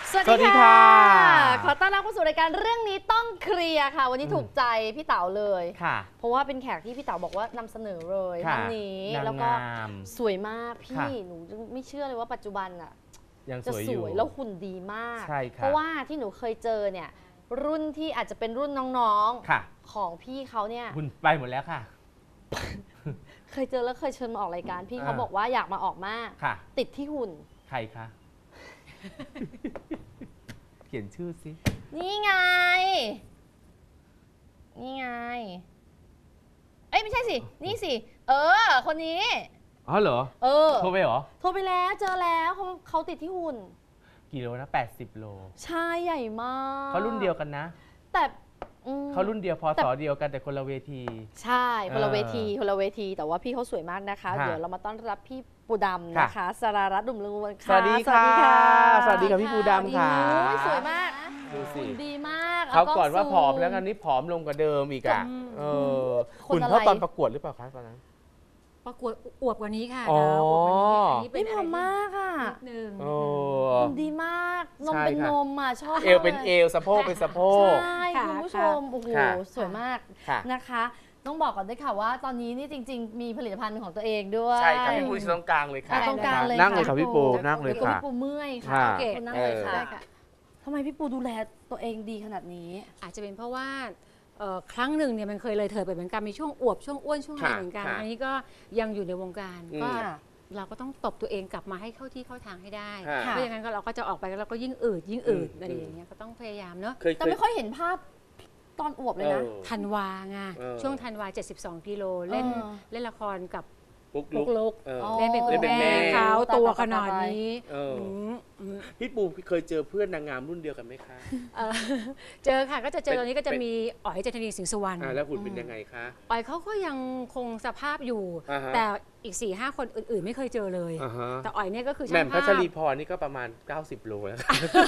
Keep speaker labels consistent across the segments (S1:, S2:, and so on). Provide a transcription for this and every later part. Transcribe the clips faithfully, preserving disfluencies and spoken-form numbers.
S1: สวัสดีค่ะขอต้อนรับเข้าสู่รายการเรื่องนี้ต้องเคลียร์ค่ะวันนี้ถูกใจพี่เต๋าเลยค่ะเพราะว่าเป็นแขกที่พี่เต๋าบอกว่านำเสนอเลยท่านนี้แล้วก็สวยมากพี่หนูไม่เชื่อเลยว่าปัจจุบันอ่ะจะสวยแล้วหุ่นดีมากเพราะว่าที่หนูเคยเจอเนี่ยรุ่นที่อาจจะเป็นรุ่นน้องๆของพี่เขาเนี่ย
S2: หุ่นไปหมดแล้วค่ะ
S1: เคยเจอแล้วเคยเชิญมาออกรายการพี่เขาบอกว่าอยากมาออกมากติดที่หุ่น
S2: ใครคะเขียนชื่อสิ
S1: นี่ไงนี่ไงเอ้ยไม่ใช่สินี่สิเออคนนี้
S2: อ๋อเหรอ
S1: เออ
S2: โทรไปเหรอ
S1: โทรไปแล้วเจอแล้วเขาเขาติดที่หุ่น
S2: กี่โลนะแปดสิบโล
S1: ใช่ใหญ่มาก
S2: เขารุ่นเดียวกันนะ
S1: แต่
S2: เขารุ่นเดียวพอสอเดียวกันแต่คนละเวที
S1: ใช่คนละเวทีคนละเวทีแต่ว่าพี่เขาสวยมากนะคะเดี๋ยวเรามาต้อนรับพี่ปูดำนะคะสรารัตน์ดุมลุงวันค่ะ
S2: สวัสดีค่ะสวัสดีค่ะพี่ปูดำค่ะ
S1: สวยมาก
S2: ดูสิ
S1: ดีมาก
S2: เขาก่อนว่าผอมแล้วกันนี้ผอมลงกว่าเดิมอีกอ่ะเออคุณเท่าตอนประกวดหรือเปล่าคะตอนนั้น
S3: ประกวดอวบกว่านี้ค่ะ
S2: อ๋อ
S1: ไม่ผอมมากอ่ะ
S3: หนึ่ง
S1: ดีมากนมเป็นนมอ่ะชอบ
S2: เอวเป็นเอวสะโพกเป็นสะโพก
S1: ใช่คุณผู้ชมโอ้โหสวยมากนะคะต้องบอกก่อนด้วยค่ะว่าตอนนี้นี่จริงๆมีผลิตภัณฑ์ของตัวเองด้วย
S2: ใช่ค่ะพี่ปูตรงกลางเลยค่ะ
S1: ตรงกลางเลย
S2: นั่งเลยค่ะพี่ปูนั่งเลยค่ะ
S1: พี่ปูเมื่อยค่ะโอเคนั่งเลยค่ะทำไมพี่ปูดูแลตัวเองดีขนาดนี้
S3: อาจจะเป็นเพราะว่าครั้งหนึ่งเนี่ยมันเคยเลยเถิดไปเหมือนกันมีช่วงอวบช่วงอ้วนช่วงอะไรเหมือนกันอันนี้ก็ยังอยู่ในวงการก็เราก็ต้องตบตัวเองกลับมาให้เข้าที่เข้าทางให้ได้เพราะอย่างนั้นเราก็จะออกไปแล้วเราก็ยิ่งอืดยิ่งอืดอะไรอย่างเงี้ยก็ต้องพยายามเนาะ
S1: แต่ไม่ค่อยเห็นภาพตอนอวบเลยนะ
S3: ธันวาไงช่วงธันวาเจ็ดสิบสองกิโลเล่นเล่นละครกับ
S2: ปุ๊ก
S3: ลุกเล่นเป็นคุณแม่เขาตัวขนาดนี้
S2: พี่ปูเคยเจอเพื่อนนางงามรุ่นเดียวกันไหมคะ
S3: เจอค่ะก็จะเจอตอนนี้ก็จะมีอ๋อยเจตนีสิงห์สุวรรณ
S2: แล้วหุ่นเป็นยังไงคะ
S3: อ๋อยเขาก็ยังคงสภาพอยู่แต่อีก สี่ห้า คนอื่นๆไม่เคยเจอเลยแต่อ๋อยเนี่ยก็คือ
S2: แหม่มพัชรีพรนี่ก็ประมาณเก้าสิบโลแล้ว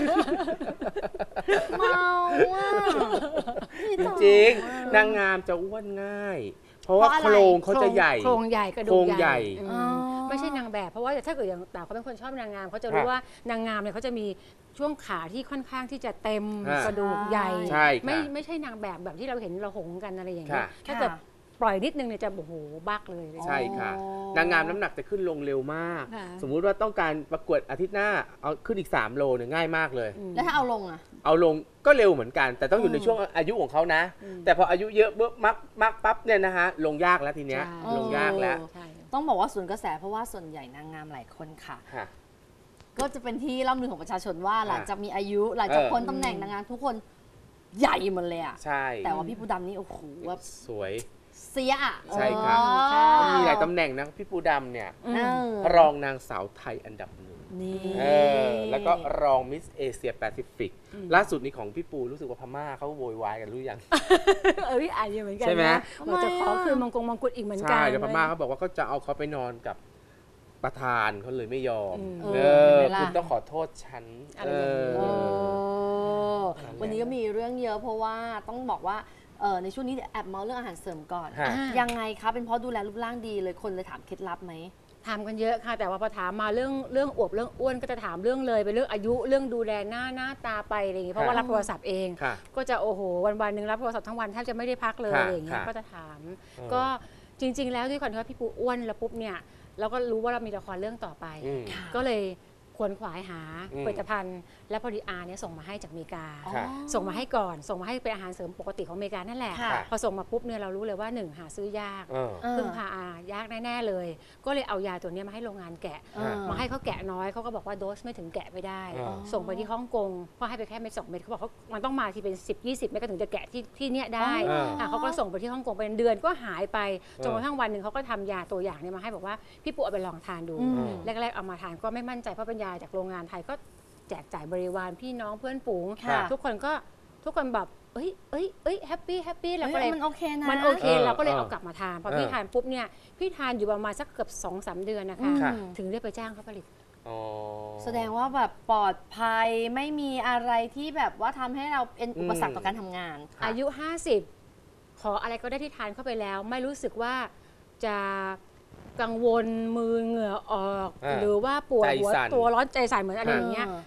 S1: เมาอ่ะ
S2: จริงนางงามจะอ้วนง่ายเพราะว่าโครงเขาจะใหญ่
S3: โครงใหญ่กระดูก
S2: ใหญ่
S3: ไม่ใช่นางแบบเพราะว่าถ้าเกิดอย่างแต่เขาเป็นคนชอบนางงามเขาจะรู้ว่านางงามเนี่ยเขาจะมีช่วงขาที่ค่อนข้างที่จะเต็มกระดูกใหญ่ไม่ไม่ใช่นางแบบแบบที่เราเห็นเราหงกันอะไรอย่างเงี้ยถ้าเกิดปล่อยนิดนึงเนี่ยจะโอ้โหบักเลย
S2: ใช่ค่ะนางงามน้ำหนักจะขึ้นลงเร็วมากสมมุติว่าต้องการประกวดอาทิตย์หน้าเอาขึ้นอีกสามโลเนี่ยง่ายมากเลย
S1: แล้วถ้าเอาลงอ่ะ
S2: เอาลงก็เร็วเหมือนกันแต่ต้องอยู่ในช่วงอายุของเขานะแต่พออายุเยอะเบิ้มมักมักปั๊บเนี่ยนะฮะลงยากแล้วทีเนี้ยลงยากแล้ว
S1: ต้องบอกว่าส่วนกระแสเพราะว่าส่วนใหญ่นางงามหลายคนค่ะก็จะเป็นที่ร่ำลือของประชาชนว่าหลังจากมีอายุหลังจากพ้นตำแหน่งนางงามทุกคนใหญ่หมดเลยอ่ะ
S2: ใช่
S1: แต่ว่าพี่ปูดำนี่โอ้โหว่า
S2: สวย
S1: เสียอ่ะ
S2: ใช่ค่ะมีหลายตำแหน่งนะพี่ปูดำเนี่ยรองนางสาวไทยอันดับหนึ่งแล้วก็รองมิสเอเชียแปซิฟิกล่าสุดนี้ของพี่ปูรู้สึกว่าพม่าเขาโวยวายกันรู้ยัง
S3: เออพี่อ่านอยู่เหมือนกัน
S2: ใช่ไหม
S3: เราจะขอคืนมงกงมงกุฎอีกเหมือนกัน
S2: ใช่แต่พม่าเขาบอกว่าเขาจะเอาเขาไปนอนกับประธานเขาเลยไม่ยอมเออคุณต้องขอโทษฉัน
S1: วันนี้ก็มีเรื่องเยอะเพราะว่าต้องบอกว่าในช่วงนี้แอบเมาเรื่องอาหารเสริมก่อนยังไงคะเป็นเพราะดูแลรูปร่างดีเลยคนเลยถามเคล็ดลับไหม
S3: ถามกันเยอะค่ะแต่ว่าพอถามมาเรื่องเรื่องอวบเรื่องอ้วนก็จะถามเรื่องเลยเป็นเรื่องอายุเรื่องดูแลหน้าหน้าตาไปอะไรอย่างเงี้ยเพราะว่ารับโทรศัพท์เองก็จะโอ้โหวันวันหนึ่งรับโทรศัพท์ทั้งวันแทบจะไม่ได้พักเลยอะไรอย่างเงี้ยก็จะถามก็จริงๆแล้วด้วยความที่ว่าพี่ปูอ้วนแล้วปุ๊บเนี่ยเราก็รู้ว่าเรามีละครเรื่องต่อไปก็เลยขวนขวายหาผลิตภัณฑ์และพอดีอาร์เนี่ยส่งมาให้จากอเมริกาส่งมาให้ก่อนส่งมาให้เป็นอาหารเสริมปกติของอเมริกานั่นแหละพอส่งมาปุ๊บเนี่ยเรารู้เลยว่าหนึ่งหาซื้อยากพึ่งพาอายากแน่ๆเลยก็เลยเอายาตัวนี้มาให้โรงงานแกะมาให้เขาแกะน้อยเขาก็บอกว่าโดสไม่ถึงแกะไม่ได้ส่งไปที่ฮ่องกงเพราะให้ไปแค่เม็ดสองเม็ดเขาบอกเขามันต้องมาที่เป็นสิบยี่สิบเม็ดก็ถึงจะแกะที่ที่เนี้ยได้เขาก็ส่งไปที่ฮ่องกงเป็นเดือนก็หายไปจนกระทั่งวันหนึ่งเขาก็ทำยาตัวอย่างเนี่ยมาให้บอกว่าพี่ปูเอาไปลองทานดูแรกๆเอามาทานก็ไม่มั่นใจเพราะเป็นยาจากโรงงานไทยก็แจกจ่ายบริวารพี่น้องเพื่อนฝูงทุกคนก็ทุกคนแบบเอ้ยเอ้ยเอ้ยแฮปปี้แฮปปี้แล้วก็เลย
S1: มันโอเคนะ
S3: มันโอเคเราก็เลยเอากลับมาทานพอพี่ทานปุ๊บเนี่ยพี่ทานอยู่ประมาณสักเกือบสองสามเดือนนะคะถึงได้ไปจ้างเขาผลิต
S1: แสดงว่าแบบปลอดภัยไม่มีอะไรที่แบบว่าทำให้เราเป็นอุปสรรคต่อการทำงาน
S3: อายุห้าสิบขออะไรก็ได้ที่ทานเข้าไปแล้วไม่รู้สึกว่าจะกังวลมือเหงื่อออกหรือว่าปวดหัวตัวร้อนใจสั่นเหมือนอะไรอย่างเงี้ย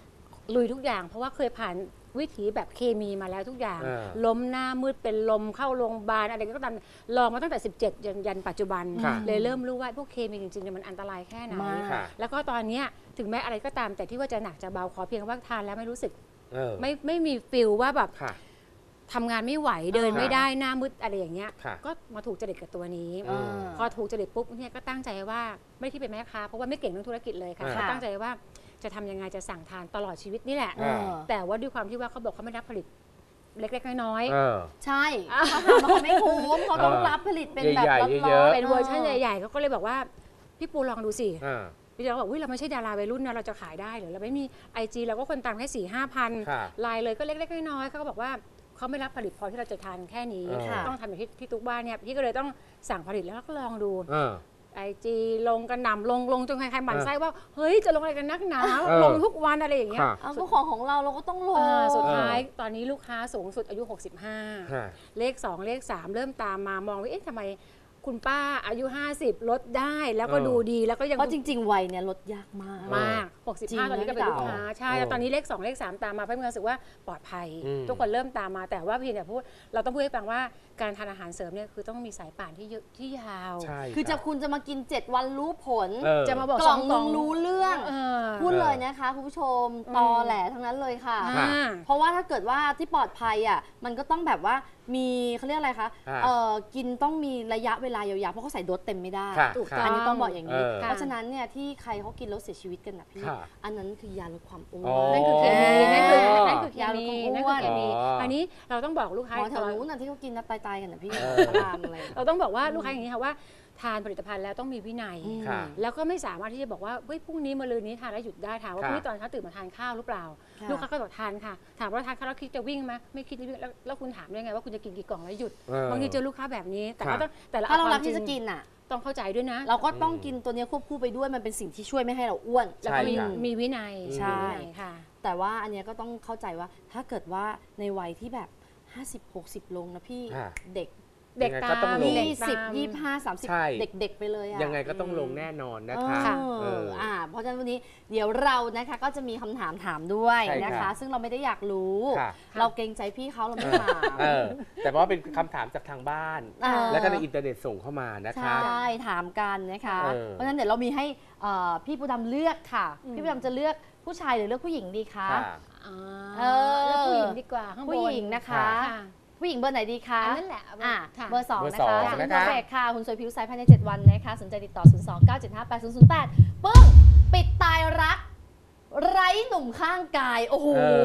S3: ลุยทุกอย่างเพราะว่าเคยผ่านวิถีแบบเคมีมาแล้วทุกอย่าง
S2: เออ
S3: ล้มหน้ามืดเป็นลมเข้าโรงพยาบาลอะไรก็ตามลองมาตั้งแต่สิบเจ็ดยันยันปัจจุบัน
S2: ค่ะ
S3: เลยเริ่มรู้ว่าพวกเคมีจริงๆเนี่ยมันอันตรายแค่ไหน
S1: มาก
S2: ค่ะ
S3: แล้วก็ตอนเนี้ยถึงแม้อะไรก็ตามแต่ที่ว่าจะหนักจะเบาขอเพียงว่าทานแล้วไม่รู้สึก
S2: เออ
S3: ไม่ไม่มีฟิลว่าแบบ
S2: ค่ะ
S3: ทำงานไม่ไหวเดิน
S2: ค่ะ
S3: ไม่ได้หน้ามืดอะไรอย่างเงี้ย
S2: ค่ะ
S3: ก็มาถูกจริตกับตัวนี้
S2: อืม
S3: พอถูกจริตปุ๊บเนี่ยก็ตั้งใจว่าไม่ได้คิดเป็นแม่ค้าเพราะว่าไม่เก่งเรื่องธุรกิจเลยค่ะ
S2: อ่า
S3: ก็ตั้งใจว่าจะทำยังไงจะสั่งทานตลอดชีวิตนี่แหละ
S2: อ่า
S3: แต่ว่าด้วยความที่ว่าเขาบอกเขาไม่รับผลิตเล็กๆน้อย
S2: เออ
S1: ใช่เขาทำมาเขาไม่คุ้มเขาต้องรับผลิตเป็นแบบ
S2: ใหญ่ๆ
S1: ล็อต
S2: เยอะ
S1: ๆ
S3: ๆเป็นเวอร์ชันใหญ่ๆเขาก็เลยบอกว่าพี่ปูลองดูสิ
S2: อ่า
S3: พี่เราบอกว่าเราไม่ใช่ดาราวัยรุ่นนะเราจะขายได้หรือเราไม่มีไอจีเราก็คนตามแค่สี่ห้าพัน
S2: ค่ะ
S3: ไลน์เลยก็เล็กๆน้อยๆเขาก็บอกว่าเขาไม่รับผลิตพอที่เราจะทานแค่นี้
S2: ค่ะ
S3: ต้องทำอย่างที่ที่ตุ๊กบ้านเนี่ยพี่ก็เลยต้องสั่งผลิตแล้วก็ลองดู
S2: เออ
S3: ไอจีลงกันหน่ำลงลงจนใครๆหมั่นไส้ว่าเฮ้ยจะลงอะไรกันนักหนา
S2: เออ
S3: ลงทุกวันอะไรอย่างเงี้ย
S2: ค่ะ
S1: เอาก็ของของเราเราก็ต้องลง
S3: อ่าสุดท้ายตอนนี้ลูกค้าสูงสุดอายุ หกสิบห้า
S2: ค่ะ
S3: เลข สอง เลข สาม เริ่มตามมามองว่าเอ๊ะทำไมคุณป้าอายุ ห้าสิบ ลดได้แล้วก็
S2: เออ
S3: ดูดีแล้วก็ยัง
S1: เพราะจริง ๆ วัยเนี่ยลดยากมาก
S3: มาก
S1: จริง
S3: หกสิบห้า ตอนนี้ก็เป็นลูกค้าใช่
S2: เออ
S3: แล้วตอนนี้เลข สอง เลข สาม ตามมาเพื่อมีความรู้สึกว่าปลอดภัย
S2: อืม
S3: ทุกคนเริ่มตามมาแต่ว่าพี่เนี่ยพูดเราต้องพูดให้ฟังว่าการทานอาหารเสริมเนี่ยคือต้องมีสายป่านที่เยอะที่ยาว
S2: ใช่
S1: คือจะคุณจะมากิน เจ็ด วันรู้ผล
S2: เออ
S3: จะมาบอก
S1: กล่อง
S3: ส
S1: นึงรู้เรื่อง
S3: เออ
S1: พูดเลยนะคะคุณผู้ชม
S3: อืม
S1: ตอแหลทั้งนั้นเลยค่ะ
S3: อ่า
S1: เพราะว่าถ้าเกิดว่าที่ปลอดภัยอ่ะมันก็ต้องแบบว่ามีเขาเรียกอะไรคะ
S2: อ่า
S1: เออกินต้องมีระยะเวลายาวๆเพราะเขาใส่โดสเต็มไม่ได้
S2: ค่ะ
S3: ถูก
S2: ค่ะ
S3: ต้
S1: อันนี้ต้องบอกอย่างนี้
S2: เออ
S1: เพราะฉะนั้นเนี่ยที่ใครเขากินแล้วเสียชีวิตกันนะพี่
S2: ค่ะ
S1: อันนั้นคือยาลดความอ้ว
S2: อ๋อ
S1: น
S3: นั่นคือเคมีนั่นคือนั่นคือเค
S1: ยาลด
S3: มี
S1: ความอ้วน
S3: นั่นคือเคมี
S2: อ๋ออั
S3: อันนี้เราต้องบอกลูกค้า
S1: หมอแถวนู้นน่ะที่เขากินนะตายๆกันนะพี่
S2: เออ
S1: พระรามอะไร
S3: เราต้องบอกว่าลูกค้าอย่างนี้ค่ะว่าทานผลิตภัณฑ์แล้วต้องมีวินัย
S1: อืม
S2: ค่ะ
S3: แล้วก็ไม่สามารถที่จะบอกว่าเฮ้ยพรุ่งนี้มะรืนนี้ทานแล้วหยุดได้ถามว่าพ
S2: ค่ะ
S3: รุ่งนี้ตอนเช้าตื่นมาทานข้าวหรือเปล่า
S1: ค่ะ
S3: ลูกค้าก็บอกทานค่ะ ถามว่าทานข้าวแล้วคิดจะวิ่งไหมไม่คิดจะวิ่งแล้วแล้วคุณถามได้ไงว่าคุณจะกินกี่กล่องแล้วหยุด
S2: เออบ
S3: างทีเจอลูกค้าแบบนี้แต่ก็
S2: ค่ะ
S3: ต้องแต่ละ
S1: ถ้าเรา
S3: คว
S1: รับ
S3: ม
S1: ที่
S3: จ
S1: จะ
S3: ง
S1: กินอ่ะ
S3: ต้องเข้าใจด้วยนะ
S1: เราก็ต้องกินตัวเนี้ยควบคู่ไปด้วยมันเป็นสิ่งที่ช่วยไม่ให้เราอ้วน
S3: แล้วก็มี
S2: ใช่ค่ะ
S3: มีวินัย
S1: ใช่
S3: มีวินัยค่ะ
S1: แต่ว่าอันเนี้ยก็ต้องเข้าใจว่าถ้าเกิดว่าในวัยที่แบบ ห้าสิบ หกสิบ ลงนะพี่
S2: ค่ะ
S1: เด็ก
S3: เด็ก
S2: ยังไง
S3: ตา
S2: ก็
S3: ม
S2: ต้องลง
S3: เด็ก
S1: ยี่
S3: ตา
S1: สิบ
S3: ม
S1: ยี่ห้า สามสิบ
S2: ใช่
S1: เด็กๆไปเลยอะ
S2: ยังไงก็ต้องลงแน่นอนนะคะ
S1: เออ
S2: เออ
S1: อ่าเพราะฉะนั้นวันนี้เดี๋ยวเรานะคะก็จะมีคำถามถามด้วย
S2: ใช่
S1: นะ
S2: ครั
S1: คะ
S2: บ
S1: ซึ่งเราไม่ได้อยากรู้
S2: ค่ะ
S1: เราเกรงใจพี่เขาเราไม่ถาม
S2: เออแต่ว่าเป็นคำถามจากทางบ้าน
S1: เออ
S2: แล้วก็ในอินเทอร์เน็ตส่งเข้ามานะ
S1: ใช
S2: คะ
S1: ่ถามกันนะคะ
S2: เออ
S1: เพราะฉะนั้นเดี๋ยวเรามีให้เอ่อพี่ปูดำเลือกค่ะ
S3: อืม
S1: พี่ปูดำจะเลือกผู้ชายหรือเลือกผู้หญิงดีคะ
S2: ค่ะ
S3: อ่า
S1: เออ
S3: แล้วผู้หญิงดีกว่าข้างบน
S1: ผู้หญิงนะคะ
S3: ค่ะ
S1: ผู้หญิงเบอร์ไหนดีคะ
S3: อันนั้นแหละ
S1: อ่ะ
S3: ค่ะ
S1: เบอร์สอง
S2: เบอร์
S1: นะ
S2: สอ
S1: คะ
S2: ง
S1: คุณ
S2: นะคะ
S1: เพอร์เฟกต์ค่ะคุณสวยผิวใสภายใน เจ็ด วันนะคะสนใจติดต่อ ศูนย์ สอง เก้า เจ็ด ห้า แปด ศูนย์ ศูนย์ แปด ปึ้ง ปิดตายรัก ไร้หนุ่มข้างกาย โอ้โห
S2: เอ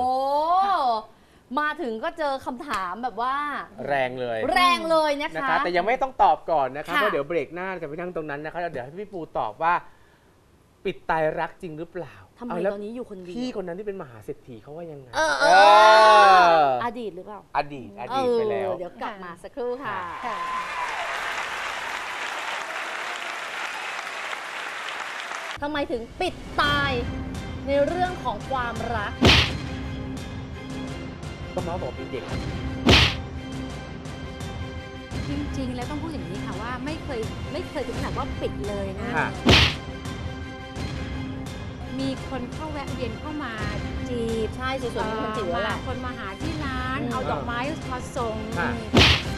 S1: มาถึงก็เจอคำถามแบบว่า
S2: แรงเลย
S1: แรงเลยนะ
S2: นะคะ คะ แต่ยังไม่ต้องตอบก่อนนะคะ
S1: ค่ะ
S2: เพราะเดี๋ยวเบรกหน้าจะไปนั่งตรงนั้นนะคะแล้วเดี๋ยวให้พี่ปูตอบว่า ปิดตายรักจริงหรือเปล่า
S1: ทำไม
S2: เอาแล้ว
S1: ตอนนี้อยู่คนเดียว
S2: พี่คนนั้นที่เป็นมหาเศรษฐีเขาว่ายังไง
S1: เออเอ
S2: เอ
S1: อ
S2: อ
S1: อดีตหรือเปล่า
S2: อดีตอดีตไปแล้ว
S1: เออเดี๋ยวกลับมาสักครู่ค่ะ
S3: ค่ะ
S1: ทำไมถึงปิดตายในเรื่องของความรัก
S2: ก็มาบอกเป็นเด็ก
S3: จริงๆ แล้วต้องพูดอย่างนี้ค่ะว่าไม่เคยไม่เคยถึงขนาดว่าปิดเลยนะ
S2: ค่ะ
S3: มีคนเข้าแวะเวียนเข้ามาจีบ
S1: ใช่สวยๆมีคนจีบแล้ว
S3: มา
S1: ล่ะ
S3: คนมาหาที่ร้าน
S1: อืม
S3: เอาดอกไม้มาส่ง
S2: ค่ะ